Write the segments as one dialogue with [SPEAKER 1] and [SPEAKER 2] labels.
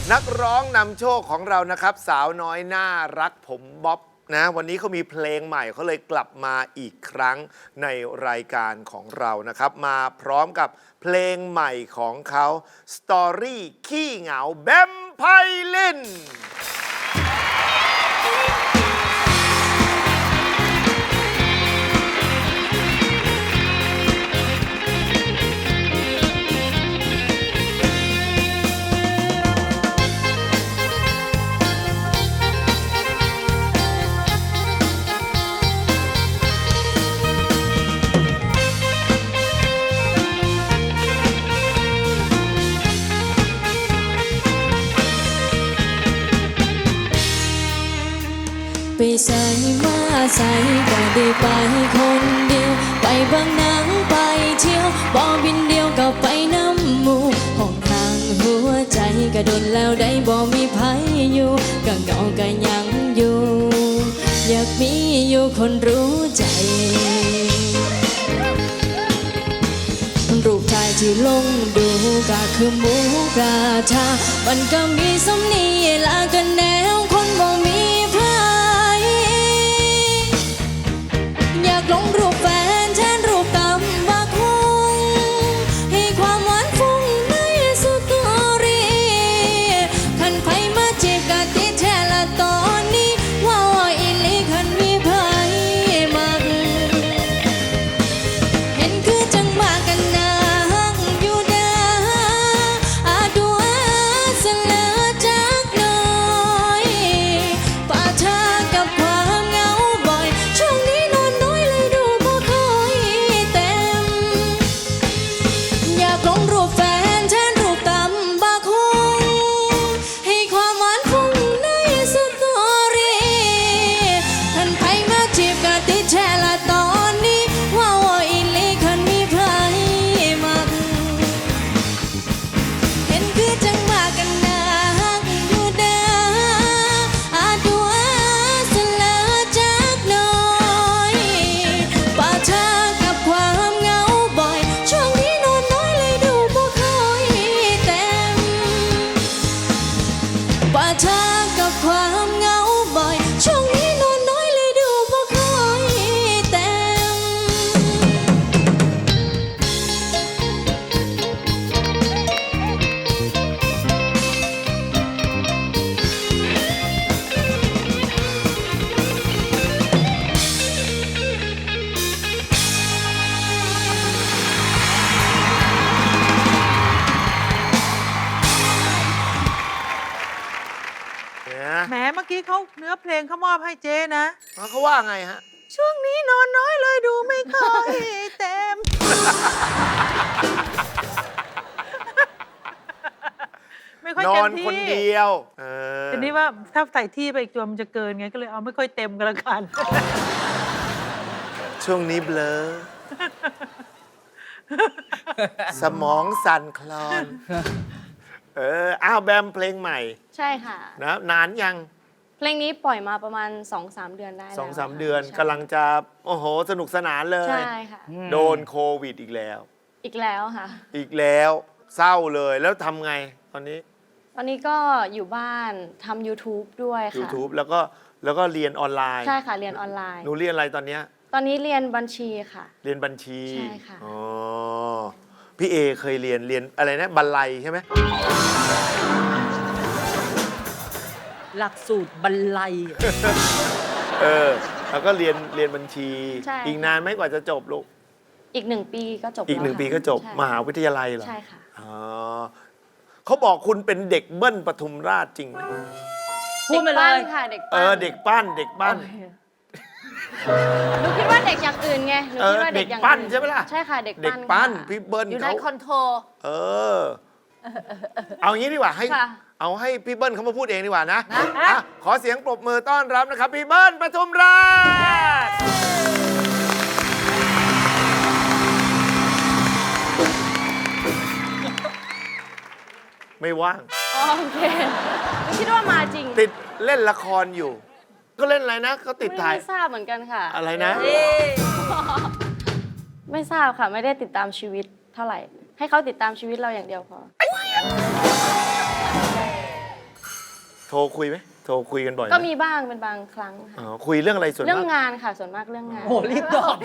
[SPEAKER 1] นักร้องนำโชคของเรานะครับสาวน้อยน่ารักผมบ๊อบนะวันนี้เขามีเพลงใหม่เขาเลยกลับมาอีกครั้งในรายการของเรานะครับมาพร้อมกับเพลงใหม่ของเขาสตอรี่ขี้เหงาแบมไพลิน
[SPEAKER 2] ไปใส่มาใส่ก็ได้ไปคนเดียวไปเบิ่งหนังไปเที่ยวบ่บินเดียวก็ไปน้ำหมู่ห้องทางหัวใจก็ดนแล้วได้บ่มีไผอยู่ก็เหงาก็ยังอยู่อยากมีอยู่คนรู้ใจรูปถ่ายที่ลงดูก็คือหมูกระทะมันก็มีสำนีละกันแนวคนบ่มีไผอยากลงรูปแฟนแทนรูปตำบักหุ่งให้ความหวานฟุ้งในสตอรี่คันไผมาจีบกะติดแท้ละตอนนี้ว่าอีหลีคันมีไผมักเห็นคือจังมากันนะฮักอยู่เด้ออาดูอาสลาจักหน่อยป่าช้ากับความเหงาบ่อยช่วงนี้นอนน้อยเลยดูบ่ค่อยเต็มอยากลงรูปแฟนแทนรูปตำบักหุ่งให้ความหวานฟุ้งในสตอรี่คันไผมาจีบกะติดแชร์ละตอนนี้ว่าอีหลีคันมีไผมักเห็นคือจังมากันนะฮักอยู่เด้ออาดูอาสลาจักหน่อยป่าช้ากับความเหงาบ่อยช่วงนี้นอนน้อยเลยดูบ่ค่อยเต็มป่าช้ากับความเหงาบ่อยช่วงนี้นอนน้อยเลยดูบ่ค่อยเต็ม
[SPEAKER 1] เนี่ย
[SPEAKER 3] แหมเมื่อกี้เขาเนื้อเพลงเขามอบให้เจ๊นะ
[SPEAKER 1] เขาว่าไงฮะ
[SPEAKER 3] ช่วงนี้นอนน้อยเลยดูไม่ค่อยเต็ม ไม่ค่อย
[SPEAKER 1] น
[SPEAKER 3] เต็
[SPEAKER 1] อ
[SPEAKER 3] ม
[SPEAKER 1] น
[SPEAKER 3] ที่
[SPEAKER 1] คนเดียว
[SPEAKER 3] ทีนี้ว่าถ้าใส่ที่ไปอีกตัวมันจะเกินไงก็เลยเอาไม่ค่อยเต็มกันละกัน
[SPEAKER 1] ช่วงนี้เบลอ สมองสั่นคลอน อ้าวแบมเพลงใหม่
[SPEAKER 4] ใช่ค่ะ
[SPEAKER 1] นะนานยัง
[SPEAKER 4] เพลงนี้ปล่อยมาประมาณ 2-3 เดือนได้แล้ว
[SPEAKER 1] 2-3
[SPEAKER 4] ค่ะ
[SPEAKER 1] เดือน
[SPEAKER 4] ใช่
[SPEAKER 1] กำลังจะ โอ้โห สนุกสนานเลย
[SPEAKER 4] ใช่ค่ะ
[SPEAKER 1] โดนโควิดอีกแล้ว
[SPEAKER 4] อีกแล้วค่ะ
[SPEAKER 1] อีกแล้วเศร้าเลยแล้วทำไงตอนนี้
[SPEAKER 4] ตอนนี้ก็อยู่บ้านทำ YouTube ด้วยค่ะ
[SPEAKER 1] YouTube แล้วก็เรียนออนไลน์
[SPEAKER 4] ใช่ค่ะ เรียนออนไลน์
[SPEAKER 1] หนูเรียนอะไรตอนเนี้ย
[SPEAKER 4] ตอนนี้เรียนบัญชีค่ะ
[SPEAKER 1] เรียนบัญชี
[SPEAKER 4] ใช่ค่ะ
[SPEAKER 1] อ๋อพี่เอเคยเรียนอะไรนะบัลลัยใช่ไหม
[SPEAKER 5] หลักสูตรบรรลัย
[SPEAKER 1] แล้วก็เรียนบัญชี
[SPEAKER 4] ใช่
[SPEAKER 1] อีกนานไหมกว่าจะจบลูก
[SPEAKER 4] อีก1 ปีก็จบ
[SPEAKER 1] อีก
[SPEAKER 4] แล้ว
[SPEAKER 1] 1 ปีก็จบ
[SPEAKER 4] ใช่
[SPEAKER 1] มหาวิทยาลัยเหรอ
[SPEAKER 4] ใช่ค่ะ
[SPEAKER 1] อ๋อเขาบอกคุณเป็นเด็กเบิ้ลปทุมราชจริงไหม
[SPEAKER 5] พูดมาเล
[SPEAKER 4] ปั้น
[SPEAKER 5] ย
[SPEAKER 4] ค่ะเด็กปั้น
[SPEAKER 1] เด็กปั้นเด็กปั้น
[SPEAKER 4] หนูคิดว่าเด็กอย่างอื่นไงหนูคิดว่าเด็กอย่าง
[SPEAKER 1] เด็กปั้น
[SPEAKER 4] อื่
[SPEAKER 1] ใช่ไหมล่ะ
[SPEAKER 4] ใช่ค่ะเด็ก
[SPEAKER 1] เด็ก
[SPEAKER 4] ปั้น
[SPEAKER 1] ปั้น
[SPEAKER 4] ค่ะ
[SPEAKER 1] พี่เบิ้ล
[SPEAKER 4] อยู่ใน
[SPEAKER 1] เขา
[SPEAKER 4] คอนโทร
[SPEAKER 1] เออ เอางี้ดีกว่าให้
[SPEAKER 4] ค่ะ
[SPEAKER 1] เอาให้พี่เบิ้ลเขามาพูดเองดีกว่านะ
[SPEAKER 3] นะ
[SPEAKER 1] อ่ะขอเสียงปรบมือต้อนรับนะครับ พี่เบิ้ลปทุมราช ไม่ว่าง
[SPEAKER 4] อ๋อโอเคหนูคิดว่ามาจริง
[SPEAKER 1] ติดเล่นละครอยู่ ก็เล่นอะไรนะเขาติดถ่าย
[SPEAKER 4] ไม่ทราบเหมือนกันค่ะ
[SPEAKER 1] อะไรนะ
[SPEAKER 4] ไม่ทราบค่ะ ไม่ได้ติดตามชีวิตเท่าไหร่ ให้เขาติดตามชีวิตเราอย่างเดียวพอ
[SPEAKER 1] โทรคุยไหมโทรคุยกันบ่อยไห
[SPEAKER 4] ก็มีบ้างเป็นบางครั้งค่ะ
[SPEAKER 1] อ๋อคุยเรื่องอะไรส่วน
[SPEAKER 4] เรื่อง
[SPEAKER 1] มาก
[SPEAKER 4] งานค่ะ ส่วนมากเรื่องงาน
[SPEAKER 5] โอ้โหรีบตอบ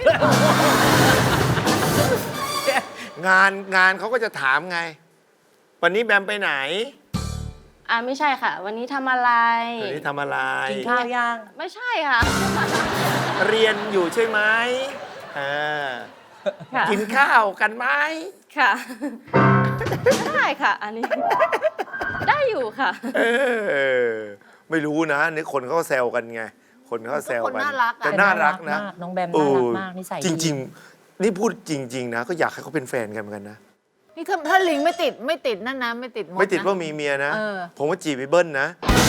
[SPEAKER 1] งานเขาก็จะถามไง วันนี้แบมไปไหน
[SPEAKER 4] ไม่ใช่ค่ะ วันนี้ทำอะไร
[SPEAKER 1] วันนี้ทำอะไร
[SPEAKER 5] กินข้าวยัง
[SPEAKER 4] ไม่ใช่ค่ะ
[SPEAKER 1] เรียนอยู่ใช่ไหมอ่า
[SPEAKER 4] ค่ะ
[SPEAKER 1] กินข้าวกันไหม
[SPEAKER 4] ค่ะ ได้ค่ะ อันนี้ ได้อยู่ค่ะ
[SPEAKER 1] เออไม่รู้นะนี่คนเขาก็แซวกันไง คนเขาก็แซว
[SPEAKER 2] คน
[SPEAKER 1] กัน
[SPEAKER 2] น่ารักอะ
[SPEAKER 1] แต่น่ารักนะ
[SPEAKER 5] น้องแบมน่ารักมากนิสัย
[SPEAKER 1] จ
[SPEAKER 5] ดี
[SPEAKER 1] ริง ๆ นี่พูดจริง ๆ นะ ก็อยากให้เขาเป็นแฟนกันเหมือนกันนะ
[SPEAKER 2] นี่ถ้าลิงไม่ติดนั่นนะไม่ติดมด
[SPEAKER 1] ไม่ติด
[SPEAKER 2] นะ
[SPEAKER 1] ว่ามีเมียนะ
[SPEAKER 2] เออ
[SPEAKER 1] ผมว่าจีบไปเบิ้ลนะ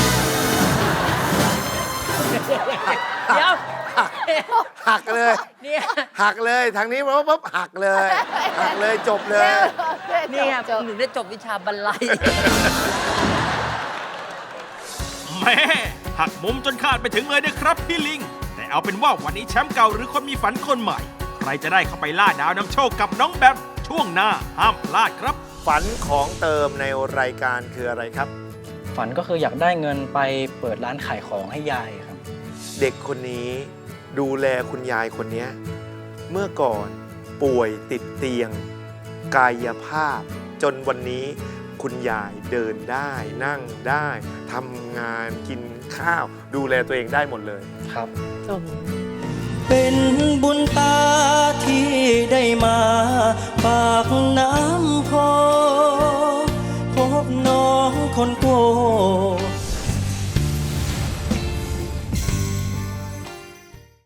[SPEAKER 5] เดี๋ยว
[SPEAKER 1] หักเลย
[SPEAKER 5] เนี่ย
[SPEAKER 1] หักเลยทางนี้ปุ๊บหักเลยหักเลยจบเลย
[SPEAKER 5] เนี่ย
[SPEAKER 2] จบ
[SPEAKER 5] หนูได้จบวิชาบรรลัย
[SPEAKER 6] แม่หักมุมจนขาดไปถึงเลยนะครับพี่ลิง แต่เอาเป็นว่าวันนี้แชมป์เก่าหรือคนมีฝันคนใหม่ ใครจะได้เข้าไปล่าดาวนำโชคกับน้องแบมช่วงหน้าห้ามพลาดครับ
[SPEAKER 1] ฝันของเติมในรายการคืออะไรครับ
[SPEAKER 7] ฝันก็คืออยากได้เงินไปเปิดร้านขายของให้ยายครับ
[SPEAKER 1] เด็กคนนี้ดูแลคุณยายคนนี้เมื่อก่อนป่วยติดเตียง กายภาพ จนวันนี้คุณยายเดินได้นั่งได้ทำงานกินข้าว ดูแลตัวเองได้หมดเลย
[SPEAKER 7] ครับ
[SPEAKER 5] โอ้โห
[SPEAKER 7] เป็นบุญตาที่ได้มา